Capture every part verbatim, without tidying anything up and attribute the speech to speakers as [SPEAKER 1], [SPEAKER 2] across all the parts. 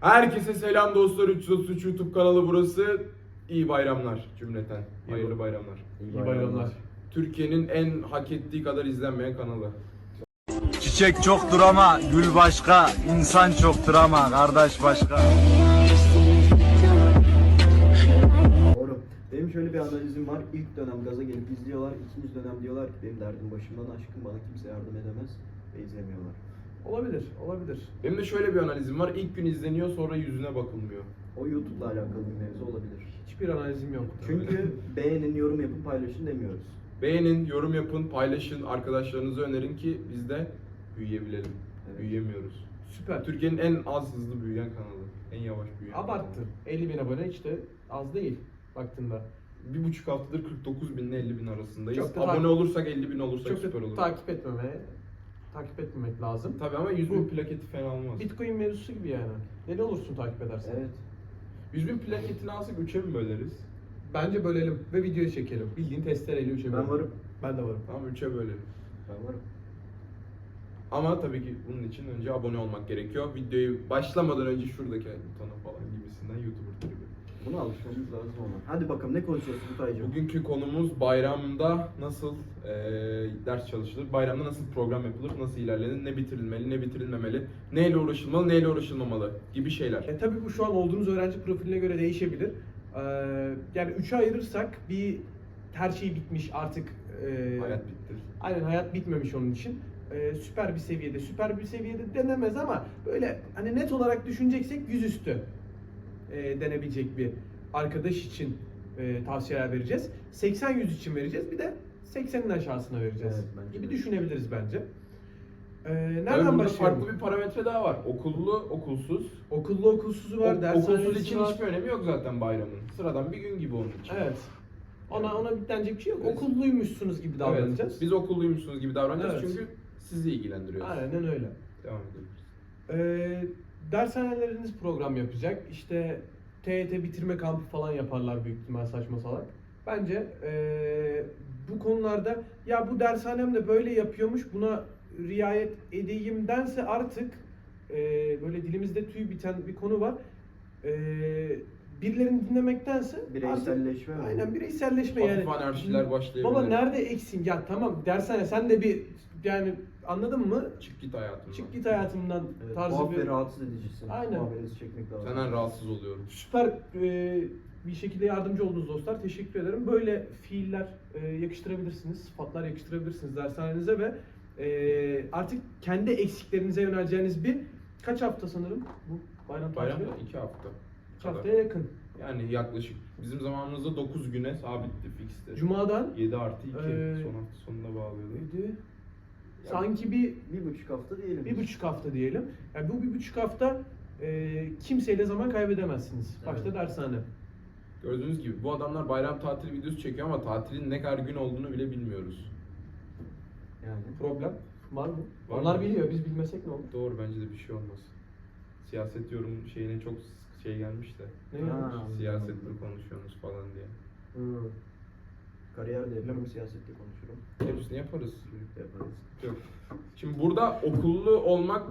[SPEAKER 1] Herkese selam dostlar. üç yüz otuz üç YouTube kanalı burası. İyi bayramlar cümleten. Hayırlı bayramlar.
[SPEAKER 2] İyi bayramlar.
[SPEAKER 1] Türkiye'nin en hak ettiği kadar izlenmeyen kanalı.
[SPEAKER 3] Çiçek çoktur ama gül başka, insan çoktur ama kardeş başka.
[SPEAKER 2] Doğru. Benim şöyle bir analizim var. İlk dönem gaza gelip izliyorlar. İkinci dönem diyorlar ki benim derdim başımdan aşkım, bana kimse yardım edemez ve izlemiyorlar.
[SPEAKER 4] Olabilir, olabilir.
[SPEAKER 1] Benim de şöyle bir analizim var. İlk gün izleniyor, sonra yüzüne bakılmıyor.
[SPEAKER 2] O YouTube'la alakalı bir mevzu olabilir.
[SPEAKER 4] Hiçbir analizim yok.
[SPEAKER 2] Çünkü beğenin, yorum yapın, paylaşın demiyoruz.
[SPEAKER 1] Beğenin, yorum yapın, paylaşın, arkadaşlarınıza önerin ki biz de büyüyebilelim.
[SPEAKER 2] Evet.
[SPEAKER 1] Büyüyemiyoruz.
[SPEAKER 4] Süper.
[SPEAKER 1] Türkiye'nin en az hızlı büyüyen kanalı. En yavaş büyüyen
[SPEAKER 4] Abarttın. elli bin abone hiç de az değil baktığında.
[SPEAKER 1] kanalı. Bir buçuk haftadır kırk dokuz bin ile elli bin arasındayız.
[SPEAKER 4] Çok da
[SPEAKER 1] Abone
[SPEAKER 4] takip-
[SPEAKER 1] olursak elli bin olursak
[SPEAKER 4] Çok
[SPEAKER 1] süper
[SPEAKER 4] da
[SPEAKER 1] olur.
[SPEAKER 4] takip etmemeye, takip etmemek lazım.
[SPEAKER 1] Tabii ama yüz bin
[SPEAKER 4] Bu-
[SPEAKER 1] plaketi fena olmaz.
[SPEAKER 4] Bitcoin mevzusu gibi yani. Ne olursun takip edersen.
[SPEAKER 2] Evet.
[SPEAKER 1] yüz bin plaketini alsak üçe mi böleriz?
[SPEAKER 4] Bence bölelim ve videoyu çekelim. Bildiğin testereyle üçe
[SPEAKER 2] Ben
[SPEAKER 4] bölelim.
[SPEAKER 2] varım.
[SPEAKER 4] Ben de varım.
[SPEAKER 1] Tamam üçe bölelim.
[SPEAKER 2] Ben varım.
[SPEAKER 1] Ama tabii ki bunun için önce abone olmak gerekiyor. Videoyu başlamadan önce şuradaki butona falan gibisinden YouTuber tribi.
[SPEAKER 2] Buna alışmamız lazım ona. Hadi bakalım ne konuşuyoruz Kutaycığım?
[SPEAKER 1] Bugünkü konumuz bayramda nasıl eee, ders çalışılır, bayramda nasıl program yapılır, nasıl ilerlenir, ne bitirilmeli, ne bitirilmemeli, neyle uğraşılmalı, neyle uğraşılmamalı gibi şeyler.
[SPEAKER 4] E tabii bu şu an olduğunuz öğrenci profiline göre değişebilir. Ee, yani üçe ayırırsak bir her şey bitmiş artık. e,
[SPEAKER 1] Hayat bitti.
[SPEAKER 4] Aynen, hayat bitmemiş onun için. Ee, süper bir seviyede, süper bir seviyede denemez ama böyle hani net olarak düşüneceksek yüzüstü e, denebilecek bir arkadaş için e, tavsiyeler vereceğiz. seksen yüz için vereceğiz, bir de seksenin aşağısına vereceğiz
[SPEAKER 2] Evet, bence
[SPEAKER 4] gibi
[SPEAKER 2] de.
[SPEAKER 4] düşünebiliriz bence. Ee,
[SPEAKER 1] Tabii
[SPEAKER 4] nereden
[SPEAKER 1] burada
[SPEAKER 4] başlayalım?
[SPEAKER 1] farklı bir parametre daha var. Okullu, okulsuz.
[SPEAKER 4] Okullu okulsuzu var,
[SPEAKER 1] O-
[SPEAKER 4] dershanesi
[SPEAKER 1] okulsuz için
[SPEAKER 4] var.
[SPEAKER 1] hiçbir önemi yok zaten bayramın. Sıradan bir gün gibi onun için.
[SPEAKER 4] Evet. Ona ona bitlenecek bir şey yok.
[SPEAKER 1] Evet.
[SPEAKER 4] Okulluymuş gibi davranacağız.
[SPEAKER 1] Evet, biz okulluymuşsunuz gibi davranacağız
[SPEAKER 4] Evet.
[SPEAKER 1] çünkü sizi ilgilendiriyor.
[SPEAKER 4] Aynen öyle.
[SPEAKER 1] Devam edelim.
[SPEAKER 4] Ee, dershaneleriniz program yapacak. İşte T Y T bitirme kampı falan yaparlar büyük ihtimal, saçma salak. Bence ee, bu konularda ya bu dershanem de böyle yapıyormuş, buna riayet edeyimdense artık ee, böyle dilimizde tüy biten bir konu var. Ee, birilerini dinlemektense
[SPEAKER 2] Bireyselleşme
[SPEAKER 4] artık,
[SPEAKER 2] mi?
[SPEAKER 4] aynen bireyselleşme
[SPEAKER 1] Hafif
[SPEAKER 4] yani.
[SPEAKER 1] anarşiler başlayabilir.
[SPEAKER 4] Baba nerede eksin? Ya tamam dershane sen de bir yani anladın mı?
[SPEAKER 1] Çık git hayatımdan.
[SPEAKER 4] Çık git hayatımdan
[SPEAKER 2] Evet,
[SPEAKER 4] tarzı
[SPEAKER 2] tuhaf
[SPEAKER 4] bir
[SPEAKER 2] ve rahatsız edicisin.
[SPEAKER 4] Aynen.
[SPEAKER 2] Muhabbeti çekmek lazım.
[SPEAKER 1] Senden rahatsız oluyorum.
[SPEAKER 4] süper e, bir şekilde yardımcı oldunuz dostlar. Teşekkür ederim. Böyle fiiller e, yakıştırabilirsiniz, sıfatlar yakıştırabilirsiniz dershanenize ve e, artık kendi eksiklerinize yöneleceğiniz bir kaç hafta sanırım bu bayram tatili?
[SPEAKER 1] Bayramda iki hafta.
[SPEAKER 4] İki haftaya yakın.
[SPEAKER 1] Yani yaklaşık bizim zamanımızda dokuz güne sabitti, fiksti.
[SPEAKER 4] Cuma'dan
[SPEAKER 1] yedi artı iki
[SPEAKER 4] Ee,
[SPEAKER 1] son hafta sonunda bağlıyordu.
[SPEAKER 4] neydi? Sanki bir
[SPEAKER 2] Bir buçuk hafta diyelim.
[SPEAKER 4] bir buçuk hafta diyelim. Yani bu bir buçuk hafta e, kimseyle zaman kaybedemezsiniz. Başta
[SPEAKER 2] Evet.
[SPEAKER 4] dershane.
[SPEAKER 1] Gördüğünüz gibi bu adamlar bayram tatili videosu çekiyor ama tatilin ne kadar gün olduğunu bile bilmiyoruz.
[SPEAKER 2] Yani.
[SPEAKER 4] Problem var mı?
[SPEAKER 1] Var
[SPEAKER 4] Onlar
[SPEAKER 1] mı?
[SPEAKER 4] biliyor, biz bilmesek ne olur?
[SPEAKER 1] Doğru, bence de bir şey olmaz. Siyaset yorum şeyine çok şey gelmiş de.
[SPEAKER 4] Ne
[SPEAKER 2] Ha.
[SPEAKER 4] yanlış?
[SPEAKER 1] Siyaset mi konuşuyorsunuz falan diye.
[SPEAKER 4] Hı.
[SPEAKER 2] Kariyer de yaparım, siyasette konuşurum.
[SPEAKER 1] Hepsini yaparız.
[SPEAKER 2] Yaparız.
[SPEAKER 1] Yok. Şimdi burada okullu olmak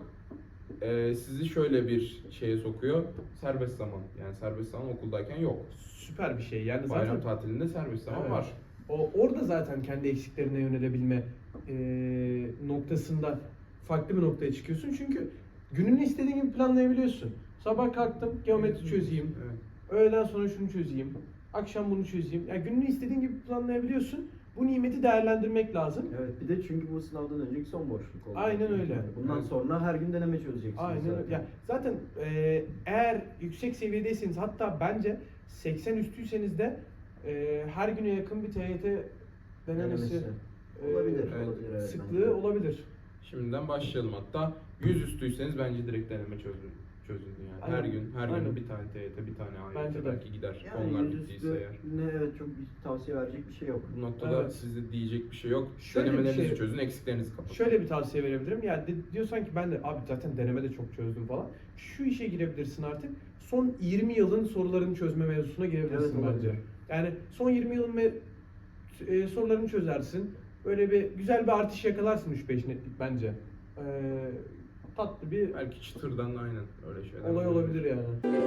[SPEAKER 1] e, sizi şöyle bir şeye sokuyor. Serbest zaman. Yani serbest zaman okuldayken yok.
[SPEAKER 4] Süper bir şey. Yani
[SPEAKER 1] Bayram
[SPEAKER 4] zaten
[SPEAKER 1] tatilinde serbest zaman
[SPEAKER 4] Evet.
[SPEAKER 1] var.
[SPEAKER 4] o orada zaten kendi eksiklerine yönelebilme e, noktasında farklı bir noktaya çıkıyorsun. Çünkü gününü istediğin gibi planlayabiliyorsun. Sabah kalktım, geometri çözeyim.
[SPEAKER 1] Evet.
[SPEAKER 4] Öğleden sonra şunu çözeyim. Akşam bunu çözeyim. Yani gününü istediğin gibi planlayabiliyorsun. Bu nimeti değerlendirmek lazım.
[SPEAKER 2] Evet, bir de çünkü bu sınavdan önceki son boşluk oldu.
[SPEAKER 4] Aynen öyle.
[SPEAKER 2] Yani bundan
[SPEAKER 1] Evet.
[SPEAKER 2] sonra her gün deneme çözeceksiniz
[SPEAKER 4] Aynen
[SPEAKER 2] zaten.
[SPEAKER 4] öyle. Ya zaten e, eğer yüksek seviyedeyseniz, hatta bence seksen üstüyseniz de e, her güne yakın bir T Y T denemesi
[SPEAKER 2] Denemesi.
[SPEAKER 4] e,
[SPEAKER 2] Olabilir,
[SPEAKER 1] evet.
[SPEAKER 2] olabilir evet.
[SPEAKER 4] sıklığı
[SPEAKER 2] bence de.
[SPEAKER 4] olabilir.
[SPEAKER 1] Şimdiden başlayalım hatta. yüz üstüyseniz bence direkt deneme çözün. Çözün yani. Her
[SPEAKER 4] Aynen.
[SPEAKER 1] gün, her
[SPEAKER 4] Aynen.
[SPEAKER 1] gün bir tane T Y T, bir tane A Y
[SPEAKER 4] Bence
[SPEAKER 1] T
[SPEAKER 4] de.
[SPEAKER 1] belki gider.
[SPEAKER 2] Yani
[SPEAKER 1] Onlar
[SPEAKER 2] yüzüstü
[SPEAKER 1] bittiyse eğer.
[SPEAKER 2] ne evet çok bir tavsiye verecek bir şey yok.
[SPEAKER 1] Bu noktada
[SPEAKER 4] Evet.
[SPEAKER 1] sizde diyecek bir şey yok.
[SPEAKER 4] Şöyle bir
[SPEAKER 1] Denemelerinizi
[SPEAKER 4] şey-
[SPEAKER 1] çözün, eksiklerinizi kapatın.
[SPEAKER 4] Şöyle bir tavsiye verebilirim. Yani de, diyorsan ki ben de abi zaten denemede çok çözdüm falan. Şu işe girebilirsin artık. Son yirmi yılın sorularını çözme mevzusuna girebilirsin
[SPEAKER 2] Evet, olabilir.
[SPEAKER 4] bence. Yani son yirmi yılın me- e, sorularını çözersin. Böyle bir güzel bir artış yakalarsın üç beş netlik bence. Ee, tatlı bir
[SPEAKER 1] Belki çıtırdan aynen öyle şeyler.
[SPEAKER 4] olay olabilir yani.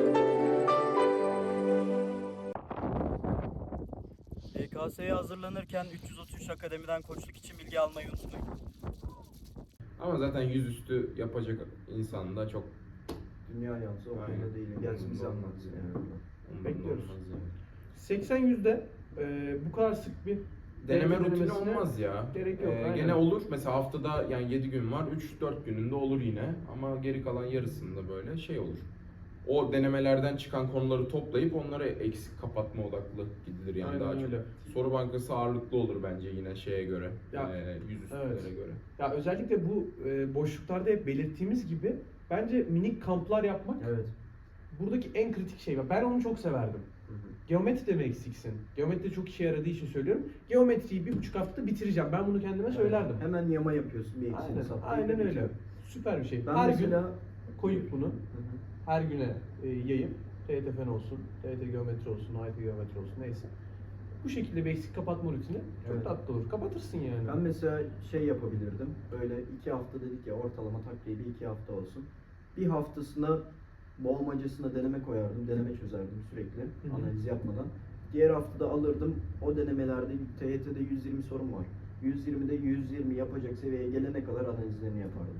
[SPEAKER 5] Y K S'ye hazırlanırken üç yüz otuz üç Akademi'den koçluk için bilgi almayı unutmayın.
[SPEAKER 1] Ama zaten yüzüstü yapacak insan da çok
[SPEAKER 2] Dünya yansı o
[SPEAKER 1] Aynen.
[SPEAKER 2] konuda değil. Gelsin bize
[SPEAKER 1] Umurumda
[SPEAKER 2] anlatsın
[SPEAKER 1] olmaz
[SPEAKER 2] yani.
[SPEAKER 1] umurumda
[SPEAKER 4] Bekliyoruz.
[SPEAKER 1] olmaz yani.
[SPEAKER 4] seksen yüzde e, bu kadar sık bir
[SPEAKER 1] Deneme
[SPEAKER 4] deneme
[SPEAKER 1] rutini
[SPEAKER 4] denemesine
[SPEAKER 1] olmaz ya.
[SPEAKER 4] gerek yok,
[SPEAKER 1] Ee,
[SPEAKER 4] aynen.
[SPEAKER 1] gene olur. Mesela haftada yani yedi gün var. üç dört gününde olur yine. Ama geri kalan yarısında böyle şey olur. O denemelerden çıkan konuları toplayıp onları eksik kapatma odaklı gidilir yani
[SPEAKER 4] Aynen
[SPEAKER 1] daha çok.
[SPEAKER 4] öyle.
[SPEAKER 1] Soru bankası ağırlıklı olur bence yine şeye göre.
[SPEAKER 4] Ya,
[SPEAKER 1] e, yüzüstülere
[SPEAKER 4] evet.
[SPEAKER 1] göre.
[SPEAKER 4] Ya özellikle bu e, boşluklarda hep belirttiğimiz gibi bence minik kamplar yapmak
[SPEAKER 2] Evet.
[SPEAKER 4] buradaki en kritik şey. Ben onu çok severdim.
[SPEAKER 2] Hı hı.
[SPEAKER 4] Geometride mi eksiksin? Geometride çok işe yaradığı için söylüyorum. Geometriyi bir buçuk haftada bitireceğim. Ben bunu kendime söylerdim.
[SPEAKER 2] Hemen yama yapıyorsun bir eksiğini
[SPEAKER 4] Aynen,
[SPEAKER 2] saptayıp
[SPEAKER 4] aynen öyle.
[SPEAKER 2] bitiyor.
[SPEAKER 4] Süper bir şey.
[SPEAKER 2] Ben
[SPEAKER 4] Her
[SPEAKER 2] mesela
[SPEAKER 4] gün koyup bunu
[SPEAKER 2] Hı hı.
[SPEAKER 4] her güne e, yayıp T Y T fen olsun, T Y T geometri olsun, I T geometri olsun neyse. Bu şekilde bir eksik kapatma rutini çok
[SPEAKER 2] Evet.
[SPEAKER 4] tatlı olur. Kapatırsın yani.
[SPEAKER 2] Ben mesela şey yapabilirdim. Böyle iki hafta dedik ya, ortalama takribi iki hafta olsun. Bir haftasına boğmacasına deneme koyardım. Deneme çözerdim sürekli
[SPEAKER 4] hı.
[SPEAKER 2] analiz yapmadan. Diğer haftada alırdım. O denemelerde T Y T'de yüz yirmi sorun var. yüz yirmide yüz yirmi yapacak seviyeye gelene kadar analizlerini yapardım.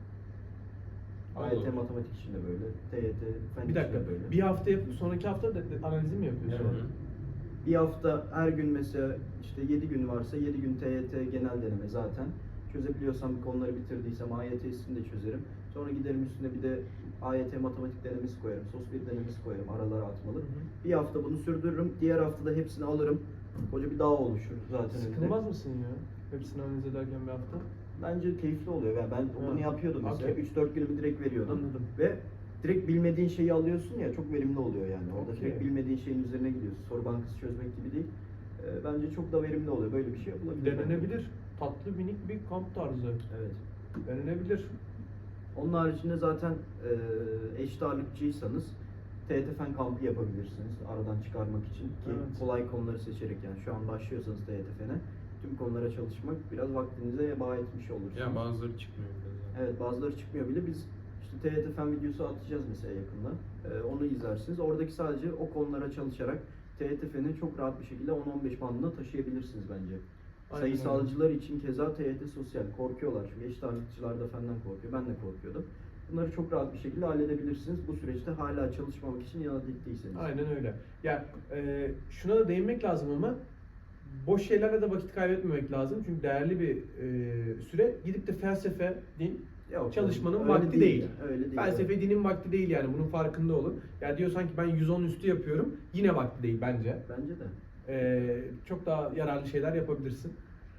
[SPEAKER 2] A Y T
[SPEAKER 1] Olur.
[SPEAKER 2] matematik için de böyle. T Y T fen
[SPEAKER 4] Bir dakika.
[SPEAKER 2] için de böyle.
[SPEAKER 4] Bir hafta yapıp sonraki hafta da, da analizi mi yapıyorsun?
[SPEAKER 2] Evet. Bir hafta her gün mesela işte yedi gün varsa yedi gün T Y T genel deneme zaten. Çözebiliyorsam konuları bitirdiysem A Y T'sini de çözerim. Sonra giderim üstüne bir de A Y T matematik denemesi koyarım. Sos bir denemesi koyarım aralara atmalı.
[SPEAKER 4] Hı hı.
[SPEAKER 2] Bir hafta bunu sürdürürüm. Diğer haftada hepsini alırım. Koca bir dağ oluşur zaten önünde.
[SPEAKER 4] Sıkılmaz mısın ya? Hepsini analiz ederken bir hafta.
[SPEAKER 2] Bence keyifli oluyor. Yani ben bunu
[SPEAKER 4] Ha.
[SPEAKER 2] yapıyordum mesela.
[SPEAKER 4] Okey.
[SPEAKER 2] üç dört günümü direkt veriyordum.
[SPEAKER 4] Anladım.
[SPEAKER 2] Ve direkt bilmediğin şeyi alıyorsun ya, çok verimli oluyor yani. Orada
[SPEAKER 4] Okey.
[SPEAKER 2] direkt bilmediğin şeyin üzerine gidiyorsun. Soru bankası çözmek gibi değil. Ee, bence çok da verimli oluyor. Böyle bir şey yapılabilir.
[SPEAKER 4] Denenebilir. Tatlı minik bir kamp tarzı.
[SPEAKER 2] Evet.
[SPEAKER 4] Denenebilir.
[SPEAKER 2] Onun haricinde zaten e, eşit ağırlıkçıysanız T Y T fen kampı yapabilirsiniz aradan çıkarmak için ki
[SPEAKER 4] Evet.
[SPEAKER 2] kolay konuları seçerek, yani şu an başlıyorsanız T Y T fene tüm konulara çalışmak biraz vaktinize heba etmiş olursunuz.
[SPEAKER 1] Ya bazıları çıkmıyor bile zaten.
[SPEAKER 2] Evet, bazıları çıkmıyor bile. Biz işte T Y T fen videosu atacağız mesela yakında. Ee, onu izlersiniz. Oradaki sadece o konulara çalışarak T Y T feni çok rahat bir şekilde on on beş bandına taşıyabilirsiniz bence.
[SPEAKER 4] Aynen
[SPEAKER 2] Sayısalcılar için keza T Y T sosyal korkuyorlar. Çünkü eşit ağırlıkçılar da fenden korkuyor. Ben de korkuyordum. Bunları çok rahat bir şekilde halledebilirsiniz. Bu süreçte hala çalışmamak için yana diktiyseniz.
[SPEAKER 4] Aynen öyle. Ya e, şuna da değinmek lazım ama boş şeylerle de vakit kaybetmemek lazım. Çünkü değerli bir e, süre. Gidip de felsefe, din,
[SPEAKER 2] Yok,
[SPEAKER 4] çalışmanın
[SPEAKER 2] öyle
[SPEAKER 4] vakti değil.
[SPEAKER 2] ya, Öyle değil.
[SPEAKER 4] felsefe
[SPEAKER 2] evet.
[SPEAKER 4] dinin vakti değil yani. Bunun farkında olun. Ya diyor sanki ben yüz on üstü yapıyorum. Yine vakti değil bence.
[SPEAKER 2] Bence de.
[SPEAKER 4] E, çok daha yararlı şeyler yapabilirsin.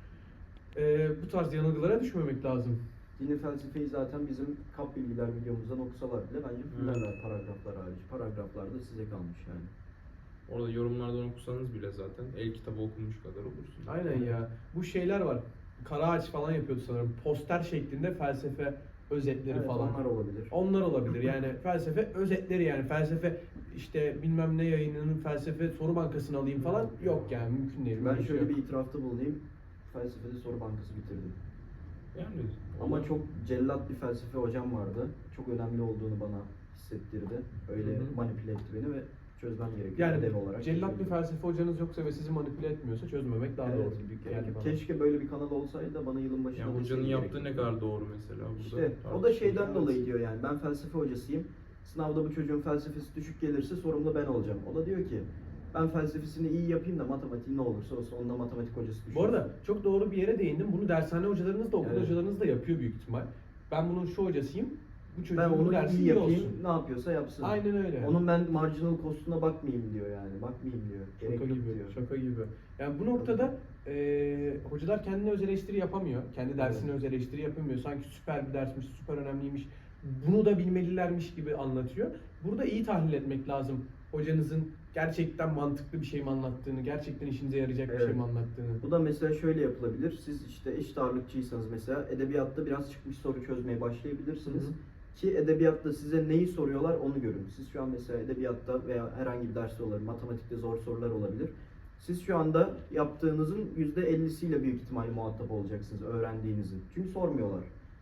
[SPEAKER 4] E, bu tarz yanılgılara düşmemek lazım.
[SPEAKER 2] Dini felsefeyi zaten bizim kap bilgiler videomuzdan okusalar bile bence fullerler paragraflar hariç. Paragraflar da size kalmış yani.
[SPEAKER 1] Orada yorumlardan okusanız bile zaten el kitabı okumuş kadar olursun.
[SPEAKER 4] Aynen ya. Bu şeyler var. Karaağaç falan yapıyordu sanırım. Poster şeklinde felsefe özetleri
[SPEAKER 2] Evet,
[SPEAKER 4] falan.
[SPEAKER 2] onlar olabilir.
[SPEAKER 4] Onlar olabilir yani felsefe özetleri yani felsefe işte bilmem ne yayınının felsefe soru bankasını alayım falan yok yani mümkün değil.
[SPEAKER 2] Ben
[SPEAKER 4] Böyle
[SPEAKER 2] şöyle
[SPEAKER 4] şey
[SPEAKER 2] bir
[SPEAKER 4] yok.
[SPEAKER 2] itirafta bulunayım. Felsefede soru bankası bitirdim.
[SPEAKER 1] Yani
[SPEAKER 2] Ama
[SPEAKER 1] olur.
[SPEAKER 2] çok cellat bir felsefe hocam vardı. Çok önemli olduğunu bana hissettirdi. Öyle
[SPEAKER 4] Hı hı.
[SPEAKER 2] manipüle etti beni ve çözmem gerekiyor
[SPEAKER 4] Yani
[SPEAKER 2] ödev olarak.
[SPEAKER 4] cellat bir
[SPEAKER 2] çözüyorum.
[SPEAKER 4] felsefe hocanız yoksa ve sizi manipüle etmiyorsa çözmemek daha
[SPEAKER 2] Evet,
[SPEAKER 4] doğru gibi geldi bana.
[SPEAKER 2] keşke böyle bir kanal olsaydı da bana yılın başında
[SPEAKER 1] Yani hocanın
[SPEAKER 2] deseydi
[SPEAKER 1] yaptığı
[SPEAKER 2] gerekiyor.
[SPEAKER 1] ne kadar doğru mesela burada.
[SPEAKER 2] İşte o da
[SPEAKER 1] tartışılır.
[SPEAKER 2] şeyden
[SPEAKER 4] Evet.
[SPEAKER 2] dolayı diyor yani, ben felsefe hocasıyım. Sınavda bu çocuğun felsefesi düşük gelirse sorumlu ben olacağım. O da diyor ki ben felsefesini iyi yapayım da matematiği ne olursa olsun onda matematik hocası düşük.
[SPEAKER 4] Bu arada çok doğru bir yere değindim. Bunu dershane hocalarınız da okul
[SPEAKER 2] Evet.
[SPEAKER 4] hocalarınız da yapıyor büyük ihtimal. Ben bunun şu hocasıyım. Bu çocuğun
[SPEAKER 2] ben
[SPEAKER 4] bu
[SPEAKER 2] onu
[SPEAKER 4] dersi
[SPEAKER 2] iyi
[SPEAKER 4] iyi
[SPEAKER 2] yapayım,
[SPEAKER 4] olsun.
[SPEAKER 2] ne yapıyorsa yapsın.
[SPEAKER 4] Aynen öyle.
[SPEAKER 2] Onun ben marginal cost'una bakmayayım diyor yani. Bakmayayım diyor. Gerek
[SPEAKER 4] Şaka
[SPEAKER 2] yok
[SPEAKER 4] gibi,
[SPEAKER 2] diyor.
[SPEAKER 4] şaka gibi. Yani bu noktada eee hocalar kendine öz eleştiri yapamıyor. Kendi dersine
[SPEAKER 2] Evet.
[SPEAKER 4] öz eleştiri yapamıyor. Sanki süper bir dersmiş, süper önemliymiş. Bunu da bilmelilermiş gibi anlatıyor. Burada iyi tahlil etmek lazım. Hocanızın gerçekten mantıklı bir şey mi anlattığını, gerçekten işinize yarayacak bir
[SPEAKER 2] Evet.
[SPEAKER 4] şey mi anlattığını.
[SPEAKER 2] Bu da mesela şöyle yapılabilir. Siz işte eşit ağırlıkçıysanız mesela edebiyatta biraz çıkmış soru çözmeye başlayabilirsiniz.
[SPEAKER 4] Hı hı.
[SPEAKER 2] Ki edebiyatta size neyi soruyorlar onu görün. Siz şu an mesela edebiyatta veya herhangi bir derste olabilir, matematikte zor sorular olabilir. Siz şu anda yaptığınızın yüzde ellisiyle büyük ihtimalle muhatap olacaksınız öğrendiğinizin. Çünkü sormuyorlar.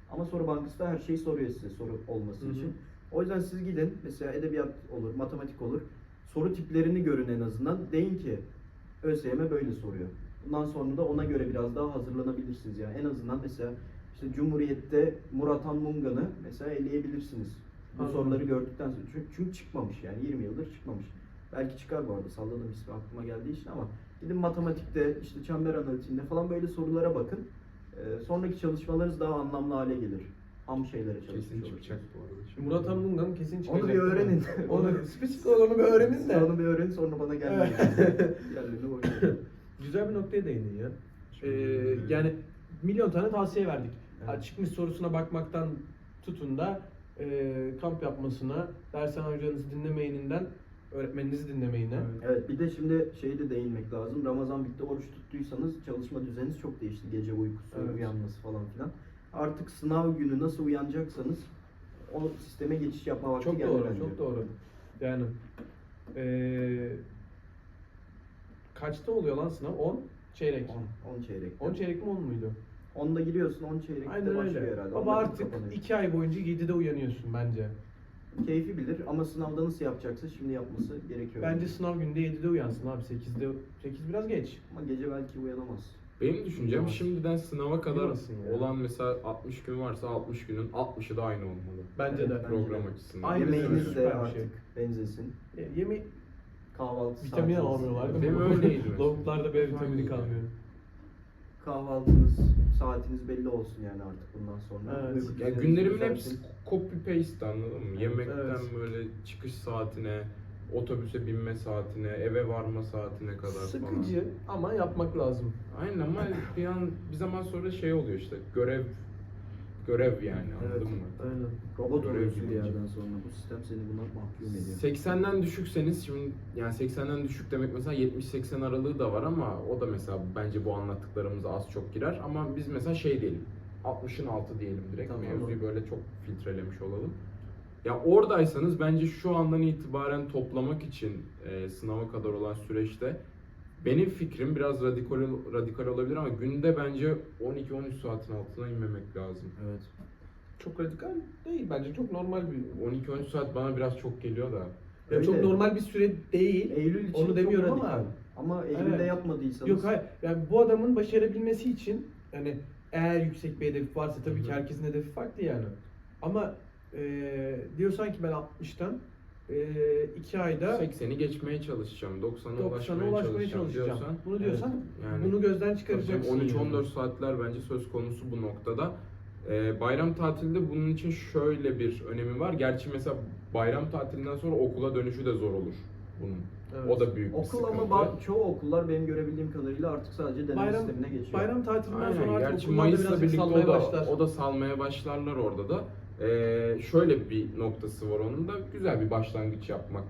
[SPEAKER 2] Ama soru bankası da her şeyi soruyor size soru olması
[SPEAKER 4] Hı hı.
[SPEAKER 2] için. O yüzden siz gidin, mesela edebiyat olur, matematik olur. Soru tiplerini görün en azından. Deyin ki ÖSYM böyle soruyor. Bundan sonra da ona göre biraz daha hazırlanabilirsiniz yani. En azından mesela işte Cumhuriyet'te Murat Han Mungan'ı mesela eleyebilirsiniz. Bu
[SPEAKER 4] Anladım.
[SPEAKER 2] soruları gördükten sonra. Çünkü, çünkü çıkmamış yani yirmi yıldır çıkmamış. Belki çıkar bu arada, salladım ismi aklıma geldiği için ama gidin matematikte, işte çember analitiğinde falan böyle sorulara bakın. Ee, sonraki çalışmalarınız daha anlamlı hale gelir. Ham şeylere çalışmış
[SPEAKER 1] Kesin
[SPEAKER 2] olursunuz.
[SPEAKER 1] çıkacak bu arada.
[SPEAKER 4] Şimdi Murat Han Mungan kesin çıkacak.
[SPEAKER 2] Onu bir öğrenin.
[SPEAKER 4] Onu spesifik olarak onu bir öğrenin de.
[SPEAKER 2] Onu bir öğrenin sonra bana gelmeyin. Diğerlerini boş verin.
[SPEAKER 4] Güzel bir noktaya değindin ya. Ee, yani milyon tane tavsiye verdik.
[SPEAKER 2] Evet.
[SPEAKER 4] Ha, çıkmış sorusuna bakmaktan tutun da e, kamp yapmasına, dershane hocanızı dinlemeyininden öğretmeninizi dinlemeyine.
[SPEAKER 2] Evet, bir de şimdi şeyi de değinmek lazım. Ramazan bitti, oruç tuttuysanız çalışma düzeniniz çok değişti. Gece uykusu,
[SPEAKER 4] Evet.
[SPEAKER 2] uyanması falan filan. Artık sınav günü nasıl uyanacaksanız o sisteme geçiş yapma vakti
[SPEAKER 4] Çok
[SPEAKER 2] geldi
[SPEAKER 4] doğru,
[SPEAKER 2] bence.
[SPEAKER 4] çok doğru. Yani eee kaçta oluyor lan sınav? on çeyrek.
[SPEAKER 2] on çeyrek.
[SPEAKER 4] on çeyrek mi on muydu?
[SPEAKER 2] onda giriyorsun, on çeyrekte
[SPEAKER 4] Aynen
[SPEAKER 2] başlıyor
[SPEAKER 4] öyle.
[SPEAKER 2] herhalde.
[SPEAKER 4] Baba
[SPEAKER 2] Onda
[SPEAKER 4] artık
[SPEAKER 2] kapanıyor.
[SPEAKER 4] iki ay boyunca yedide uyanıyorsun bence.
[SPEAKER 2] Keyfi bilir ama sınavda nasıl yapacaksa şimdi yapması gerekiyor.
[SPEAKER 4] Bence sınav günde yedide uyansın abi. sekizde sekiz biraz geç.
[SPEAKER 2] Ama gece belki uyanamaz.
[SPEAKER 1] Benim düşüncem
[SPEAKER 2] Uyamaz.
[SPEAKER 1] şimdiden sınava kadar
[SPEAKER 4] Uyumasın ya.
[SPEAKER 1] olan mesela altmış gün varsa altmış günün altmışı da aynı olmalı.
[SPEAKER 4] Bence
[SPEAKER 2] Evet,
[SPEAKER 4] de.
[SPEAKER 2] bence
[SPEAKER 1] Program
[SPEAKER 2] de.
[SPEAKER 1] açısından.
[SPEAKER 4] Aynı
[SPEAKER 2] Yemeğiniz
[SPEAKER 4] süper
[SPEAKER 2] de
[SPEAKER 4] bir
[SPEAKER 2] artık
[SPEAKER 4] şey.
[SPEAKER 2] benzesin.
[SPEAKER 4] E, Yeme
[SPEAKER 2] Kahvaltı
[SPEAKER 4] vitamin
[SPEAKER 2] saatiniz-
[SPEAKER 4] alamıyorlar değil mi?
[SPEAKER 1] Benim öyleydi mesela.
[SPEAKER 4] Lavuklarda B vitamini
[SPEAKER 1] Aynen.
[SPEAKER 4] kalmıyor.
[SPEAKER 2] Kahvaltınız, saatiniz belli olsun yani artık bundan sonra.
[SPEAKER 4] Evet.
[SPEAKER 2] Uyku
[SPEAKER 1] Ya
[SPEAKER 2] düzeniniz
[SPEAKER 1] günlerimin
[SPEAKER 2] düzelsin.
[SPEAKER 1] hepsi copy paste, anladın mı?
[SPEAKER 4] Evet,
[SPEAKER 1] Yemekten
[SPEAKER 4] evet.
[SPEAKER 1] böyle çıkış saatine, otobüse binme saatine, eve varma saatine kadar falan.
[SPEAKER 4] Sıkıcı ama yapmak lazım.
[SPEAKER 1] Aynen ama bir an bir zaman sonra şey oluyor işte görev görev yani, anladın
[SPEAKER 2] Evet.
[SPEAKER 1] mı?
[SPEAKER 4] Aynen.
[SPEAKER 2] Robot
[SPEAKER 1] Görev
[SPEAKER 2] oluyorsun bir
[SPEAKER 1] bilinci.
[SPEAKER 2] yerden sonra. Bu sistem seni buna mahkum ediyor.
[SPEAKER 1] seksenden düşükseniz şimdi yani seksenden düşük demek mesela yetmiş seksen aralığı da var ama o da mesela bence bu anlattıklarımıza az çok girer ama biz mesela şey diyelim altmışın altı diyelim direkt,
[SPEAKER 2] Tamam.
[SPEAKER 1] mevzuyu böyle çok filtrelemiş olalım. Ya oradaysanız bence şu andan itibaren toplamak için e, sınava kadar olan süreçte benim fikrim biraz radikal radikal olabilir ama günde bence on iki on üç saatin altına inmemek lazım.
[SPEAKER 2] Evet.
[SPEAKER 4] Çok radikal değil bence. Çok normal bir
[SPEAKER 1] on iki on üç saat bana biraz çok geliyor da.
[SPEAKER 4] Ya
[SPEAKER 2] Öyle.
[SPEAKER 4] çok normal bir süre değil.
[SPEAKER 2] Eylül için
[SPEAKER 4] Onu demiyorum
[SPEAKER 2] çok
[SPEAKER 4] ama-
[SPEAKER 2] radikal. Ama Eylül'de
[SPEAKER 4] Evet.
[SPEAKER 2] yapmadıysanız
[SPEAKER 4] Yok hayır. Yani bu adamın başarabilmesi için yani eğer yüksek bir hedefi varsa tabii
[SPEAKER 1] Hı
[SPEAKER 4] ki
[SPEAKER 1] hı.
[SPEAKER 4] herkesin hedefi farklı yani. Ama eee diyorsan ki ben altmıştan eee iki ayda
[SPEAKER 1] sekseni geçmeye çalışacağım, doksana
[SPEAKER 4] doksana
[SPEAKER 1] ulaşmaya,
[SPEAKER 4] ulaşmaya
[SPEAKER 1] çalışacağım,
[SPEAKER 4] çalışacağım.
[SPEAKER 1] diyorsan.
[SPEAKER 4] Bunu diyorsan
[SPEAKER 1] yani
[SPEAKER 4] bunu gözden çıkaracaksın.
[SPEAKER 1] on üç on
[SPEAKER 4] yani.
[SPEAKER 1] dört saatler bence söz konusu bu noktada. Ee, bayram tatilde bunun için şöyle bir önemi var. Gerçi mesela bayram tatilinden sonra okula dönüşü de zor olur bunun.
[SPEAKER 4] Evet.
[SPEAKER 1] O da büyük bir
[SPEAKER 2] okul
[SPEAKER 1] sıkıntı.
[SPEAKER 2] ama ba- çoğu okullar benim görebildiğim kadarıyla artık sadece deneme
[SPEAKER 4] Bayram-
[SPEAKER 2] sistemine geçiyor.
[SPEAKER 4] Bayram tatilinden sonra
[SPEAKER 1] Aynen.
[SPEAKER 4] artık
[SPEAKER 1] Gerçi
[SPEAKER 4] okullar da
[SPEAKER 1] Mayıs'la
[SPEAKER 4] birazcık
[SPEAKER 1] birlikte
[SPEAKER 4] salmaya
[SPEAKER 1] o da,
[SPEAKER 4] başlar.
[SPEAKER 1] o da salmaya başlarlar orada da. Ee, şöyle bir noktası var onun da. Güzel bir başlangıç yapmak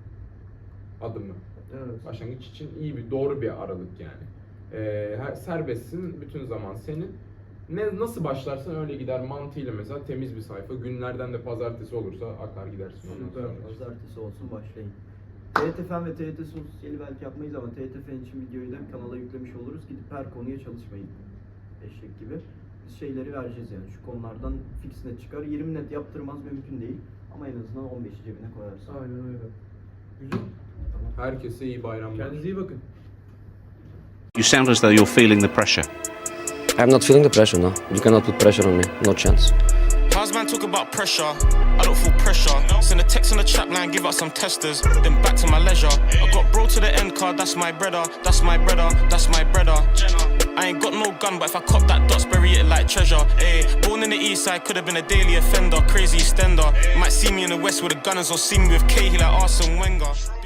[SPEAKER 1] adımı.
[SPEAKER 4] Evet.
[SPEAKER 1] Başlangıç için iyi bir, doğru bir aralık yani. Ee, her- serbestsin, bütün zaman senin. Ne nasıl başlarsan öyle gider mantığıyla mesela temiz bir sayfa. Günlerden de pazartesi olursa akar gidersin ondan
[SPEAKER 4] Süper.
[SPEAKER 1] sonra.
[SPEAKER 2] Pazartesi olsun başlayın. T Y T Fen ve T Y T Sosyali belki yapmayız ama T Y T Fen için videoyu da kanala yüklemiş oluruz. Gidip her konuya çalışmayın. Eşek gibi. Biz şeyleri vereceğiz yani. Şu konulardan fix net çıkar. yirmi net yaptırmaz mümkün değil. Ama en azından on beşi cebine koyarsın.
[SPEAKER 4] Aynen öyle. Güzel.
[SPEAKER 1] Herkese iyi bayramlar.
[SPEAKER 4] Kendinize iyi bakın.
[SPEAKER 6] You sound as though you're feeling the pressure.
[SPEAKER 7] I'm not feeling the pressure, no. You cannot put pressure on me. No chance.
[SPEAKER 8] How's man talk about pressure? I don't feel pressure. Send a text on the chat line, give out some testers. Then back to my leisure. I got bro to the end card, that's my brother. That's my brother, that's my brother. I ain't got no gun, but if I cop that dots, bury it like treasure. Ayy, born in the east side, could have been a daily offender. Crazy extender. Might see me in the west with the gunners or see me with Cahill like Arsene Wenger.